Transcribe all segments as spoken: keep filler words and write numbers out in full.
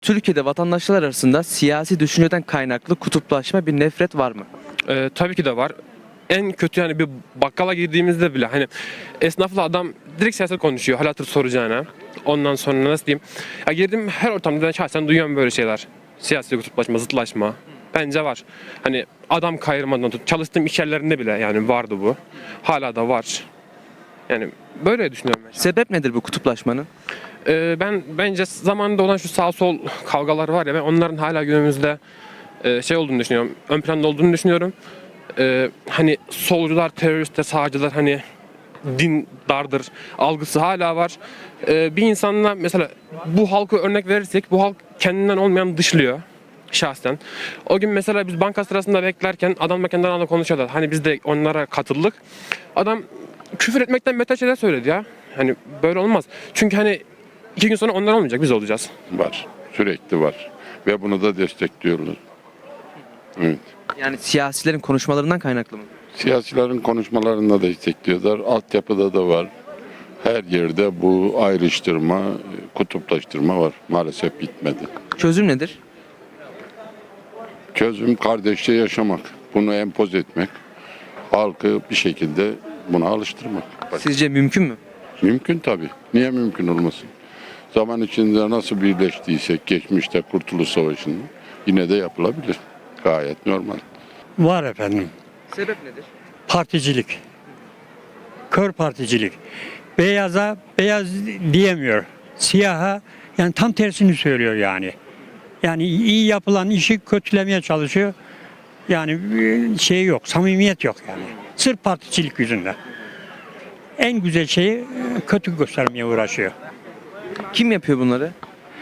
Türkiye'de vatandaşlar arasında siyasi düşünceden kaynaklı kutuplaşma, bir nefret var mı? Ee, tabii ki de var. En kötü yani bir bakkala girdiğimizde bile hani esnafla adam direkt siyaset konuşuyor hal hatır soracağına. Ondan sonra nasıl diyeyim? Ya girdim her ortamda ben şahsen duyuyorum böyle şeyler. Siyasi kutuplaşma, zıtlaşma. Bence var. Hani adam kayırmadan tut. Çalıştığım iş yerlerinde bile yani vardı bu. Hala da var. Yani böyle düşünüyorum ben. Sebep nedir bu kutuplaşmanın? Ee, ben bence zamanında olan şu sağ sol kavgalar var ya ben onların hala günümüzde e, şey olduğunu düşünüyorum. Ön planda olduğunu düşünüyorum. Ee, hani solcular, teröristler, sağcılar hani din dardır algısı hala var. Ee, bir insanla mesela bu halkı örnek verirsek bu halk kendinden olmayan dışlıyor şahsen. O gün mesela biz banka sırasında beklerken adamla kendi aralarında konuşuyorlar. Hani biz de onlara katıldık. Adam küfür etmekten beter şeyler söyledi ya. Hani böyle olmaz. Çünkü hani iki gün sonra onlar olmayacak, biz olacağız. Var. Sürekli var. Ve bunu da destekliyoruz. Evet. Yani siyasilerin konuşmalarından kaynaklı mı? Siyasilerin konuşmalarında destekliyorlar. Altyapıda da var. Her yerde bu ayrıştırma, kutuplaştırma var. Maalesef bitmedi. Çözüm nedir? Çözüm kardeşçe yaşamak. Bunu empoze etmek. Halkı bir şekilde buna alıştırmak. Sizce mümkün mü? Mümkün tabii. Niye mümkün olmasın? Zaman içinde nasıl birleştiysek geçmişte Kurtuluş Savaşı'nda yine de yapılabilir. Gayet normal. Var efendim. Sebep nedir? Particilik. Kör particilik. Beyaza beyaz diyemiyor. Siyaha yani tam tersini söylüyor yani. Yani iyi yapılan işi kötülemeye çalışıyor. Yani e, şey yok, samimiyet yok yani. Sırf particilik yüzünden. En güzel şeyi e, kötü göstermeye uğraşıyor. Kim yapıyor bunları?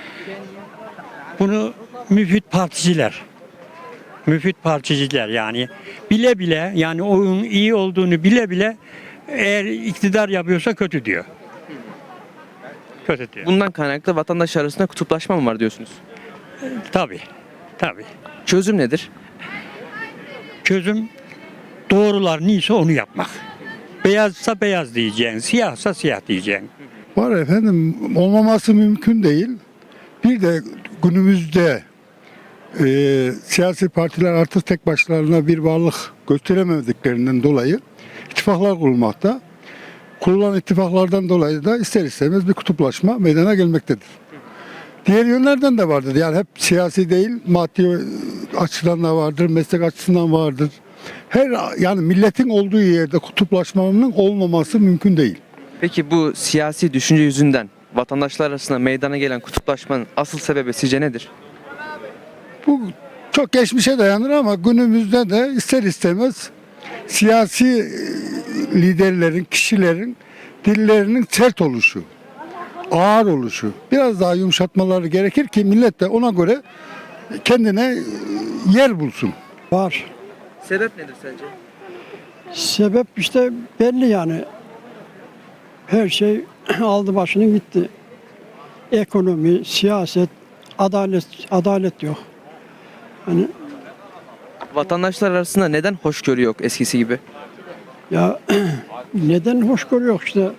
Bunu müfit particiler. Müfit particiler yani bile bile yani oyun iyi olduğunu bile bile eğer iktidar yapıyorsa kötü diyor. Kötü diyor. Bundan kaynaklı vatandaş arasında kutuplaşma mı var diyorsunuz? Tabii. Tabii. Çözüm nedir? Çözüm doğrular neyse onu yapmak. Beyazsa beyaz diyeceksin, siyahsa siyah diyeceksin. Var efendim, olmaması mümkün değil. Bir de günümüzde e, siyasi partiler artık tek başlarına bir varlık gösteremediklerinden dolayı ittifaklar kurulmakta. Kurulan ittifaklardan dolayı da ister istemez bir kutuplaşma meydana gelmektedir. Diğer yönlerden de vardır. Yani hep siyasi değil, maddi açıdan da vardır, meslek açısından vardır. Her yani milletin olduğu yerde kutuplaşmanın olmaması mümkün değil. Peki bu siyasi düşünce yüzünden vatandaşlar arasında meydana gelen kutuplaşmanın asıl sebebi sizce nedir? Bu çok geçmişe dayanır ama günümüzde de ister istemez siyasi e, liderlerin, kişilerin dillerinin sert oluşu, ağır oluşu. Biraz daha yumuşatmaları gerekir ki millet de ona göre kendine e, yer bulsun. Var. Sebep nedir sence? Sebep işte belli yani. Her şey aldı başını gitti. Ekonomi, siyaset, adalet adalet yok. Hani Vatandaşlar arasında neden hoşgörü yok eskisi gibi? ya neden hoşgörü yok işte.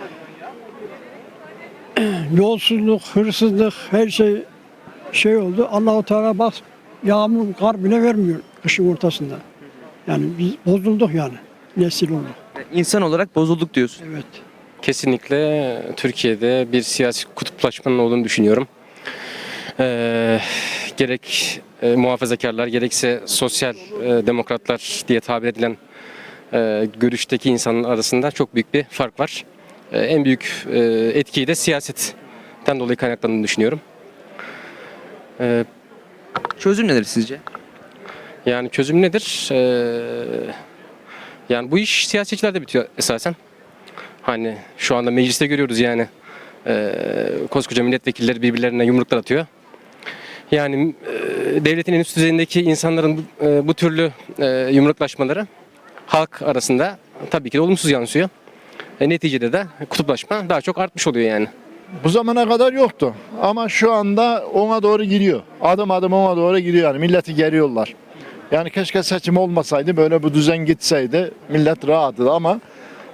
Yolsuzluk, hırsızlık, her şey şey oldu. Allahu Teala bak yağmur, kar bile vermiyor kışın ortasında. Yani biz bozulduk yani. Nesil olduk. İnsan olarak bozulduk diyorsun. Evet. Kesinlikle Türkiye'de bir siyasi kutuplaşmanın olduğunu düşünüyorum. Ee, gerek e, muhafazakarlar gerekse sosyal e, demokratlar diye tabir edilen e, görüşteki insanlar arasında çok büyük bir fark var. E, en büyük e, etkiyi de siyasetten dolayı kaynaklandığını düşünüyorum. E, Çözüm nedir sizce? yani çözüm nedir? E, yani bu iş siyasetçilerde bitiyor esasen. Hani şu anda mecliste görüyoruz yani e, koskoca milletvekilleri birbirlerine yumruklar atıyor. Yani e, devletin en üst düzeyindeki insanların bu, e, bu türlü e, yumruklaşmaları halk arasında tabii ki de olumsuz yansıyor. E, neticede de kutuplaşma daha çok artmış oluyor yani. Bu zamana kadar yoktu ama şu anda ona doğru gidiyor. Adım adım ona doğru gidiyor yani milleti geriyorlar. Yani keşke seçim olmasaydı böyle bu düzen gitseydi millet rahatdı ama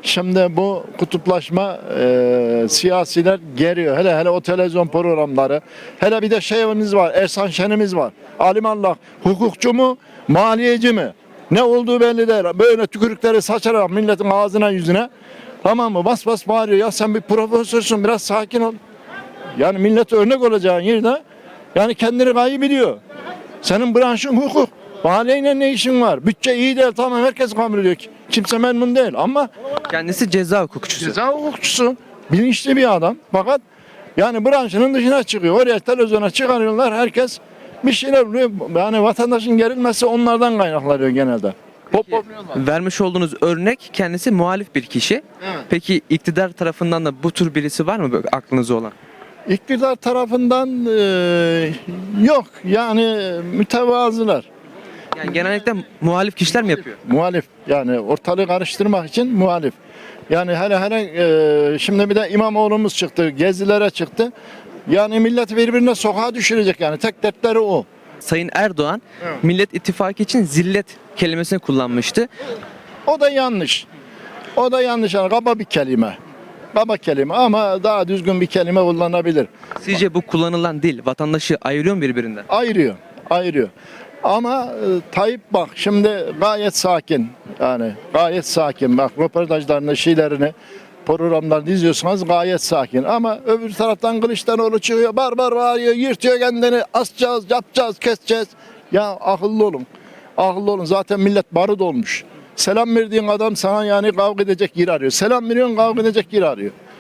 Şimdi bu kutuplaşma e, siyasiler geriyor. Hele hele o televizyon programları. Hele bir de şeyimiz var. Ersan Şen'imiz var. Alimallah hukukçu mu? Maliyeci mi? Ne olduğu belli değil. Böyle tükürükleri saçarak milletin ağzına yüzüne. Tamam mı? Bas bas bağırıyor. Ya sen bir profesörsün. Biraz sakin ol. Yani millet örnek olacağın yerde yani kendini gayet biliyor. Senin branşın hukuk. Maliyeyle ne işin var? Bütçe iyi değil, tamam, herkes kabul ediyor. Kimse memnun değil ama Kendisi ceza hukukçusu. ceza hukukçusu, bilinçli bir adam. Fakat yani branşının dışına çıkıyor. Oraya televizyona çıkarıyorlar, herkes bir şeyler oluyor. Yani vatandaşın gerilmesi onlardan kaynaklanıyor genelde. Popopluyorlar. Vermiş olduğunuz örnek kendisi muhalif bir kişi. Evet. Peki iktidar tarafından da bu tür birisi var mı böyle aklınızda olan? İktidar tarafından e, yok yani mütevazılar. Yani genellikle muhalif kişiler mi yapıyor? Muhalif yani ortalığı karıştırmak için muhalif. Yani hele hele e, şimdi bir de İmamoğlu'muz çıktı, gezilere çıktı. Yani milleti birbirine sokağa düşürecek yani tek dertleri o. Sayın Erdoğan Evet. Millet İttifakı için zillet kelimesini kullanmıştı. O da yanlış. O da yanlış yani kaba bir kelime. Kaba kelime ama daha düzgün bir kelime kullanabilir. Sizce bu kullanılan dil vatandaşı ayırıyor mu birbirinden? Ayırıyor, ayırıyor. Ama e, Tayyip bak şimdi gayet sakin. Yani gayet sakin. Bak röportajlarını, şeylerini, programlarını izliyorsanız gayet sakin. Ama öbür taraftan Kılıçdaroğlu çıkıyor, bar bar bağırıyor, yırtıyor kendini, asacağız, yapacağız, keseceğiz. Ya akıllı olun. Akıllı olun. Zaten millet barut olmuş. Selam verdiğin adam sana yani kavga edecek yer arıyor. Selam veriyorsun, kavga edecek yer arıyor.